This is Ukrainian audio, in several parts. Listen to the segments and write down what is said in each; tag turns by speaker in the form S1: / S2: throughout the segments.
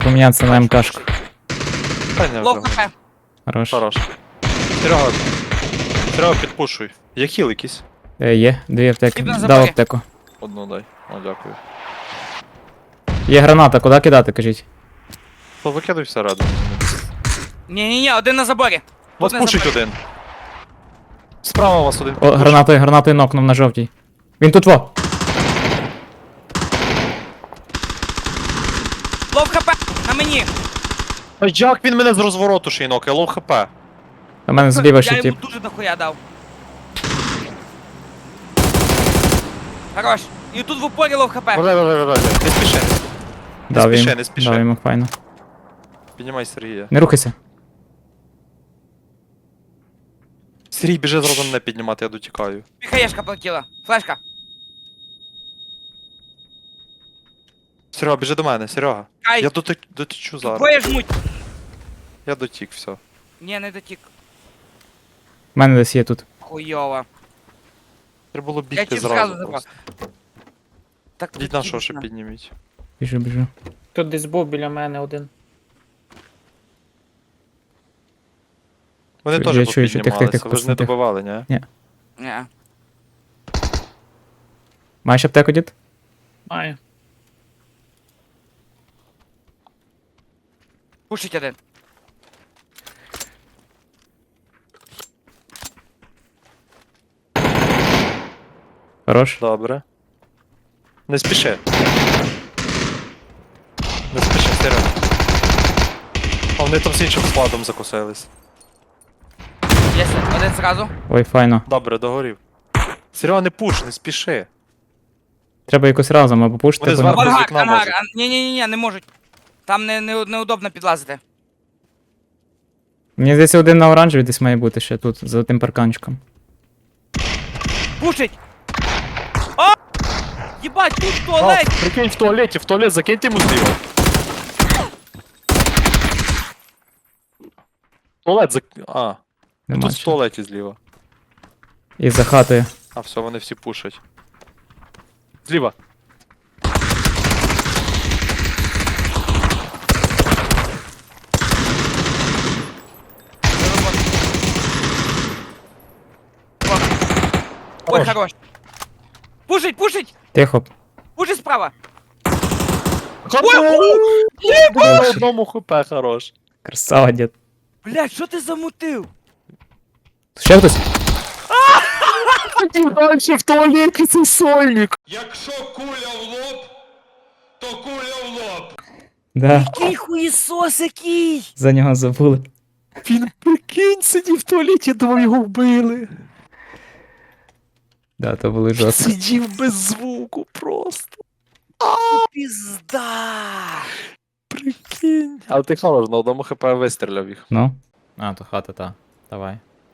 S1: помінятися на МКшку.
S2: Та не
S3: Лов
S2: вже.
S3: хп.
S1: Хорош.
S2: Хорош. Серега. Серега, підпушуй. Є хіл якийсь?
S1: Є, 2 аптеки.
S3: Тіп на
S1: Дав
S3: заборі.
S1: аптеку.
S2: Одну дай. О, дякую.
S1: Є граната, куди кидати, кажіть?
S2: То викидай всередину.
S3: Ні-ні-ні, один на заборі.
S2: Вас
S3: на
S2: пушить
S3: заборі.
S2: один. Справа вас один.
S1: О, гранатою нокнув на жовтій. Він тут во!
S3: Лов хп. На мені.
S2: А як він мене з розвороту ще й нокає? Лоу хп.
S1: У мене зліва ще
S3: Я йому
S1: тип.
S3: дуже дохуя дав. Хорош. І тут в упорі лов хп.
S2: Валяй. Не спіши.
S1: Дав
S2: спіши,
S1: йому.
S2: не спіши.
S1: Дав йому файно.
S2: Піднімай Сергія.
S1: Не рухайся.
S2: Сергій, біжи зразу мене піднімати, я дотікаю.
S3: Піхаєшка полетіла. Флешка.
S2: Серега, біжи до мене, Серега.
S3: Ай,
S2: Я дотічу зараз.
S3: двоє жмуть.
S2: Я дотік, все.
S3: Ні, не дотік.
S1: У мене десь є тут.
S3: Хуйово.
S2: Треба було
S3: Я
S2: бігти
S3: ті зразу
S2: зразу
S3: забрав.
S2: просто.
S3: Так,
S2: Йдіть на що ще підніміть.
S1: Біжу.
S4: Тут десь був біля мене один.
S2: Вони
S1: Я
S2: теж
S1: чую, що
S2: попіднімалися,
S1: тих,
S2: ви ж не
S1: пацани, тих.
S2: добивали, ні?
S3: Ні.
S1: Маєш аптеку, дід?
S4: Маю.
S3: Пушить один.
S1: Хорош.
S2: Добре. Не спіши. Не спіши, Серега. А вони там з іншим складом закусились.
S3: Є один зразу.
S1: Ой, файно.
S2: Добре, догорів. Серега, не пуш, не спіши.
S1: Треба якось разом або пушити,
S2: Вони
S1: або
S2: зверху-
S1: не.
S2: з
S3: Ангар,
S2: вікна
S3: ангар.
S2: можуть.
S3: Ні-ні-ні, не можуть. Там неудобно підлазити.
S1: Мені здається, один на оранжевій десь має бути ще тут, за тим парканчиком.
S3: Пушить! А! Єбать, тут в туалет!
S2: Прикинь, в туалет закиньте йому зліва. Туалет А,
S1: Нема
S2: тут в
S1: ще.
S2: туалеті зліва.
S1: І за хатою.
S2: А, все, вони всі пушать. Зліва.
S3: Ой,
S2: Хорош.
S3: хорош. Пушить, пушить!
S1: Тихо.
S3: Пушить справа!
S2: На одному хп, хорош.
S1: Красава, дід.
S3: Блядь, що ти замутив?
S1: Ще хтось?
S2: Дальше в туалеті цей сольник.
S5: Якщо куля в лоб, то куля в лоб.
S1: Да,
S3: Який хуєсос який!
S1: за нього забули.
S2: Він, прикинь, сидів в туалеті, думав, його вбили.
S1: Да, то були жорстко.
S2: Сидів без звуку просто.
S3: Пізда!
S2: Прикинь. Але ти хорош, на одному хп вистріляв їх.
S1: Ну? А, то хата, та. Давай.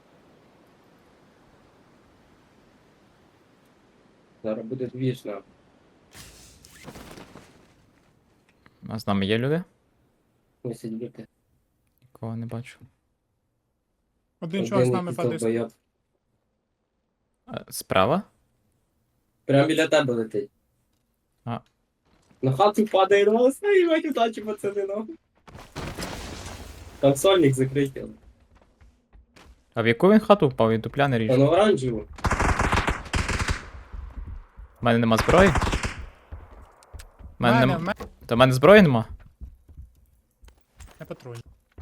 S4: Зараз буде двіжна.
S1: А з нами є люди?
S4: Не сидіти.
S1: Нікого не бачу.
S6: Один чувак з нами падає.
S4: долбойоб.
S1: Справа?
S4: Прямо біля тебе летить.
S1: А.
S4: На хату падає голос, і мать удачі, пацани, нахуй. Там сольник закритий.
S1: А в яку він хату впав? Він дупля не
S4: Та
S1: ріже.
S4: на оранжеву.
S1: У мене нема зброї? У мене
S6: Мене,
S1: нема. Та в мене зброї нема?
S6: не патруль.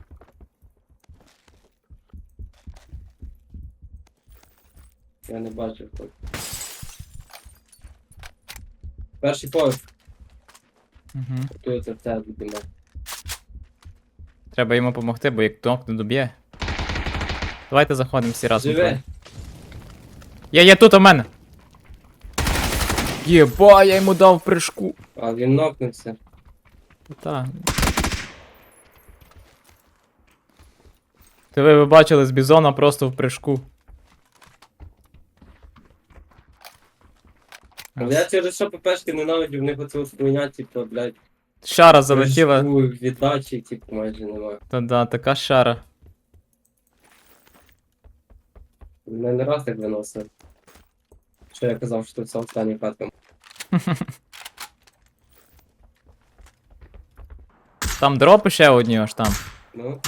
S4: Я не бачив. хто. Перший поверх,
S1: Угу.
S4: готується в це будемо.
S1: Треба йому допомогти, бо як тонк не доб'є. Давайте заходимо всі разом.
S4: Живе.
S1: троє. Є тут у мене! Єба, я йому дав прыжку.
S4: А він нокнувся.
S1: Та. Ви бачили з бізона просто в прыжку.
S4: Але я через що ППшки ненавидів, в них оце от хуйня, типу, блядь.
S1: Шара залетіла.
S4: прыжку, віддачі, типу, майже немає.
S1: Та да, така шара.
S4: Мене не раз так виносив. Що я казав, що це остання хатка.
S1: Там дропи ще одні аж там.
S4: Ну,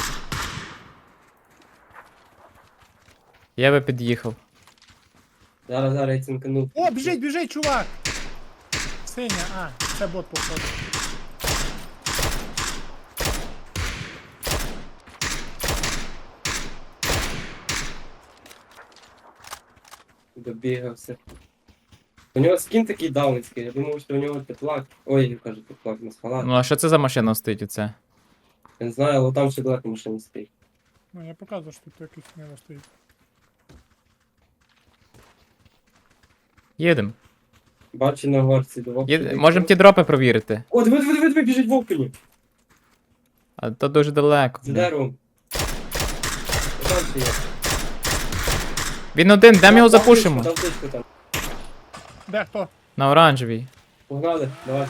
S1: Я би під'їхав.
S4: зараз я цинкану.
S6: О, біжить, чувак! Синя, це бот походу.
S4: Добігався. У нього скін такий даунський, я думав, що у нього теплак. Ой, я кажу, теплак, не схала.
S1: Ну а що це за машина стоїть оце?
S4: Я не знаю, але там ще далеко машина стоїть.
S6: Ну, я показую, що тут якийсь не стоїть.
S1: Їдем.
S4: Бачу на горці, до вовки.
S1: Можемо ті дропи провірити.
S4: О, диви, біжить вовкані.
S1: А то дуже далеко.
S4: За
S1: блін.
S4: деревом. Там ще є.
S1: Він один, де ми його запушимо?
S4: Там птичка там.
S6: Де хто?
S1: На оранжевій.
S4: Погнали, давай.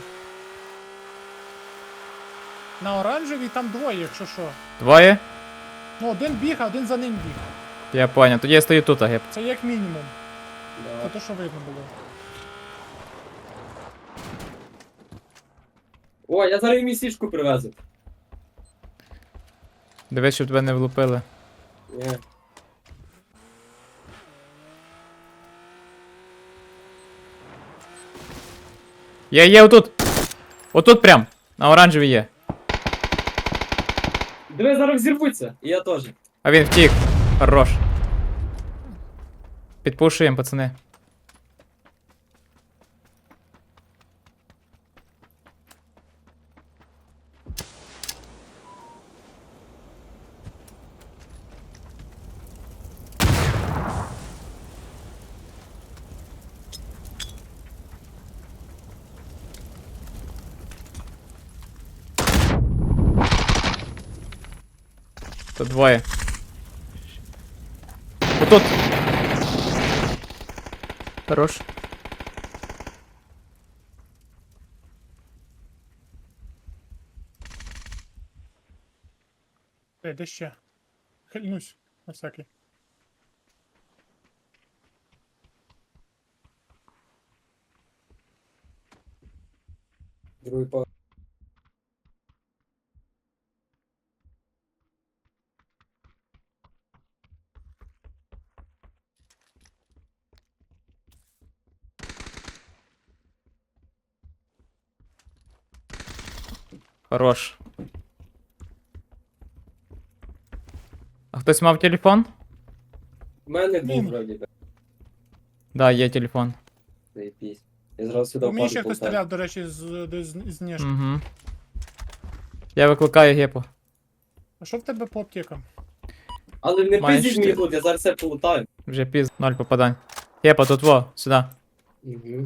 S6: На оранжевій там двоє, якщо що.
S1: Двоє?
S6: Ну, один біг, а один за ним біг.
S1: Я поняв. Тоді я стою тут, геп.
S6: Це як мінімум. Це
S4: Давай.
S6: те, що видно було.
S4: О, я зараз їм сішку привезу.
S1: Дивись, щоб тебе не влупили.
S4: Ні.
S1: Є, отут! Отут прям! На оранжевій є.
S4: Диви, зараз взірвуться. І я теж.
S1: А він втік. Хорош. Підпушуємо, пацани. Тут двоє. Отут. Хорош.
S6: Де ще? Хильнусь, на всякий.
S4: Другий по.
S1: Хорош. А хтось мав телефон?
S4: У мене був
S6: Він.
S4: вроді би.
S1: Да, є телефон.
S4: Заєбісь. Я зразу сюди
S6: По мені ще
S4: впаду
S6: хтось
S4: полтаю.
S6: стріляв, до речі, з ніжки.
S1: Угу. Я викликаю гепу.
S6: А що в тебе по аптекам?
S4: Але не
S1: Маєш
S4: пиздіть мені
S1: ти.
S4: тут, я зараз все полутаю.
S1: Вже піз, 0 попадань. Гепа, тут во, сюди.
S4: Угу.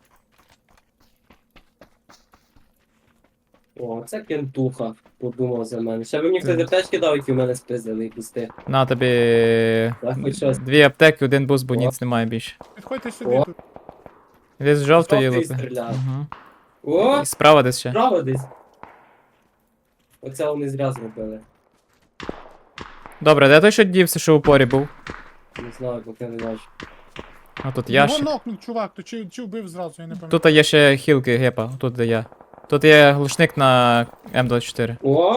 S4: О, це кентуха, подумав за мене. Ще би мені хтось аптечки дав, які в мене спиздили і пусти.
S1: На тобі
S4: Так, хоч щось.
S1: 2 аптеки, 1 буст, бо ніц немає більше.
S6: Підходьте сюди
S4: О.
S6: тут.
S1: Десь з жовтої
S4: Жовтий
S1: лупи.
S4: стріляє.
S1: Угу.
S4: О,
S1: І справа десь ще.
S4: справа десь. Оце вони зря зробили.
S1: Добре, де той, що дівся, що у порі був?
S4: Не знаю, поки не бачу.
S1: А тут
S6: Його
S1: ящик.
S6: нокнув, чувак, то чи вбив зразу, я не пам'ятаю.
S1: Тут є ще хілки гепа, тут де я. Тут є глушник на М24.
S4: О!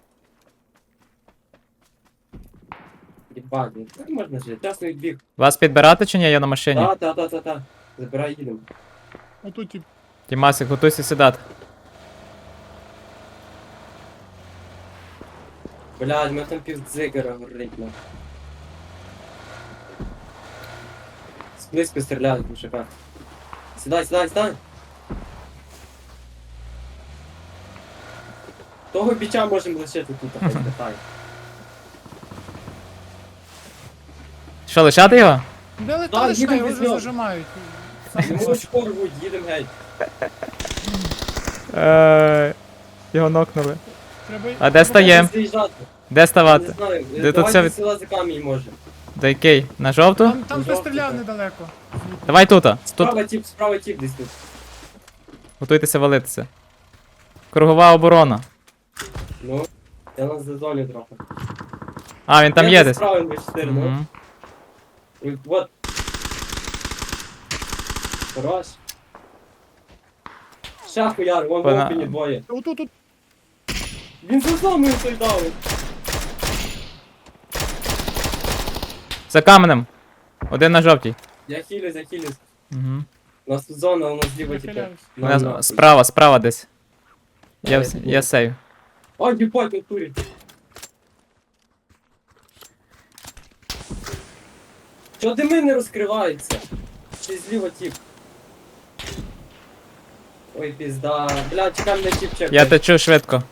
S4: Єбать, ну так можна жити. Часно відбіг.
S1: Вас підбирати чи ні? Я на машині.
S4: Та. Забирай, їдемо.
S6: Отут тип.
S1: Тімасик, готуйся сідати.
S4: Блядь, у мене там пів дзигера горить, ну. Сблизько стріляють, мужика. Сідай. Того біча можемо лишити тут, хай питай.
S1: Що, лишати його?
S6: Де
S4: Так,
S6: леталиш,
S4: їдемо
S6: його
S4: без
S6: вже
S4: нього.
S6: зажимають.
S4: Йому очко рвуть, їдемо геть.
S1: Його нокнули.
S6: Треба...
S1: А де стаєм?
S4: Заїжджати.
S1: Де
S4: Не
S1: ставати?
S4: знаю,
S1: Де тут
S4: давайте
S1: все від-
S4: села за камінь може.
S1: До який? На жовту?
S6: Там хтось стріляв
S4: Жовтий,
S6: недалеко.
S1: Давай тут. Тут.
S4: Справа тіп десь тут.
S1: Готуйтеся валитися. Кругова оборона.
S4: Ну, я нас зазоню трохи.
S1: А, він там є десь.
S4: Справа 24, ну.
S1: Мгм.
S4: І вот. Хорош. Ще хуяр, вон в
S1: Пона-
S4: опені двоє.
S6: Отут, тут.
S4: Він за зоною той дав.
S1: За каменем. Один на жовтій.
S4: Я хилюсь.
S1: Угу.
S4: У нас тут зона, у нас зліва типа.
S6: Нахиляюсь.
S1: Справа десь.
S4: Давай,
S1: Я сейв.
S4: Ай, їбать, натурі. Чого дими не розкриваються? Чи зліва тип? Ой, пізда. Бля, чекай, мене тип чекає.
S1: Я течу швидко.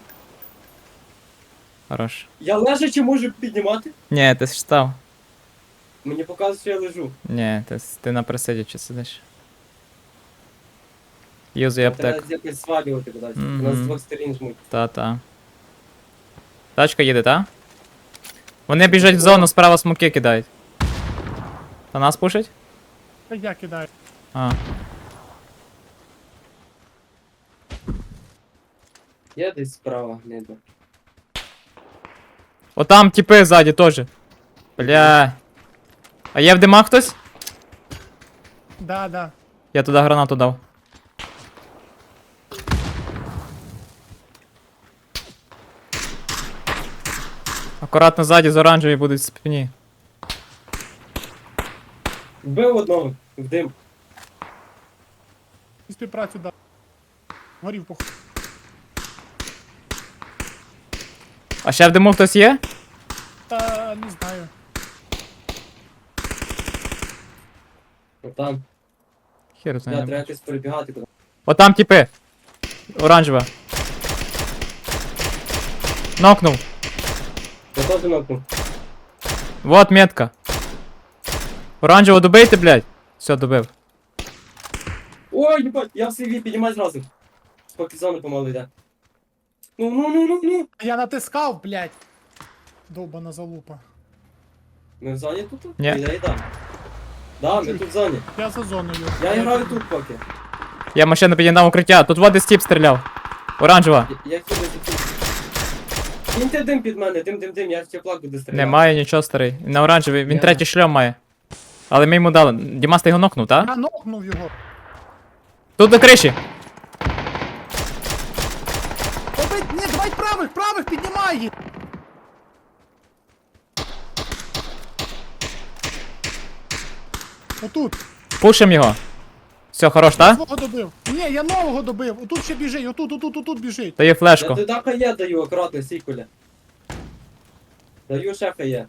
S1: Хорош.
S4: Я лежачи можу піднімати?
S1: Ні, ти ж став.
S4: Мені показує, що я лежу.
S1: Ні, ти на присидячи сидиш. Юзуй аптеку.
S4: Треба якось свалювати кудись. У
S1: Мгм.
S4: нас з двох сторін жмуть.
S1: Та. Тачка їде, та? Вони біжать в зону, справа смоки кидають. Та нас пушать?
S6: Та я кидаю.
S1: А.
S4: Я десь справа, не йду.
S1: Отам тіпи ззаді теж. Бля. А є в димах хтось?
S6: Да.
S1: Я туди гранату дав. Акуратно ззаді з оранжеві будуть в спині.
S4: Вбив одного, в дим.
S6: Співпрацю дав. Горів похуй.
S1: А ще в диму хтось є?
S6: Та не знаю.
S4: Там.
S1: Хер
S4: Я
S1: знає.
S4: треба якось перебігати куди.
S1: Отам тіпи. Оранжева. Нокнув.
S4: Я теж нокну.
S1: Вот метка. Оранжево добийте, блядь. Все, добив.
S4: Ой, їбать, я в CV, піднімай зразу. Поки зона помалу йде. Ну.
S6: Я натискав, блядь. Довбана залупа.
S4: Ми в зоні тут?
S1: Ні.
S4: Я і дам. Да, ми тут в зоні.
S6: Я за зоною.
S4: Я граю тут поки.
S1: Я машину підігнав укриття. Тут води стіп стріляв. Оранжева.
S4: Я хилюся тут. Кіньте дим під мене, дим, я в теплак буду стріляти.
S1: Немає нічого, старий. На оранжевий. Він
S4: Я-
S1: третій шльом має. Але ми йому дали. Дімас, ти його нокнув, так?
S6: Я нокнув його.
S1: Тут до криші.
S6: Побить, ні, давай правих, піднімай їх. Отут.
S1: Пушим його. Все, хорош, так?
S6: Свого добив. Ні, я нового добив. Отут ще біжить, отут біжить.
S1: Даю
S4: Я
S1: флешку.
S4: туди хає даю, акуратно, сікуля. Даю ще хає.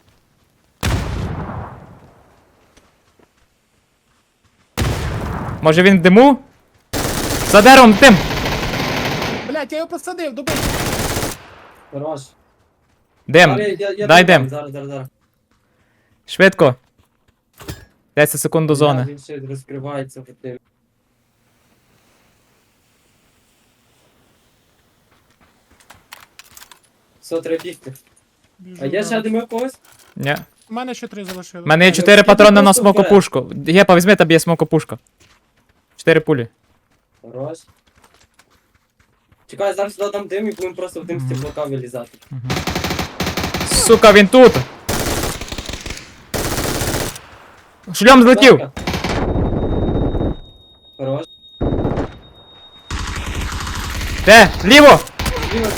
S1: Може він в диму? За деревом тим!
S6: Блядь, я його посадив, добив.
S4: Хорош.
S1: Дим.
S4: Але я
S1: Дай
S4: дам,
S1: дим.
S4: Зараз.
S1: Швидко. 10 секунд до зони.
S4: Він ще розкривається в тим. Все, треба бігти.
S6: Біжу,
S4: А є ще
S6: да.
S4: дими когось?
S1: Ні.
S6: У мене ще 3 залишилось.
S1: У мене є
S4: Я
S1: 4
S4: тут
S1: патрони на
S4: просто
S1: смокопушку. Гепа, візьми, тобі є смокопушка. 4 пулі.
S4: Хорош. Чекай, зараз сюди дам дим і будемо просто в дим з теплака вилізати.
S1: Сука, він тут! Шльом злетів!
S4: Давай. Хорош.
S1: Де? Ліво!
S4: Ліво.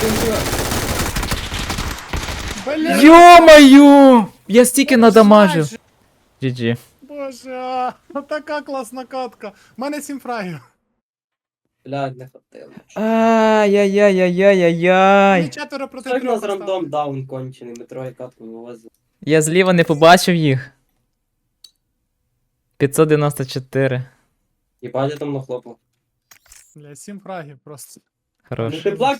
S6: Блядь,
S1: Йо-моє! Я стільки надамажив. GG.
S6: Боже, така класна катка. У мене 7 фрагів.
S4: Блядь, не хватило. Мені
S1: Ай-яй-яй-яй-яй-яй.
S6: 4 проти
S4: Так
S6: 3
S4: нас рандом даун кончений, ми троє катку вивозили.
S1: Я зліва не побачив їх. 594.
S4: Їбать, я там нахлопав.
S6: Бля, 7 фрагів просто.
S1: Хорош.
S4: Ну ти плак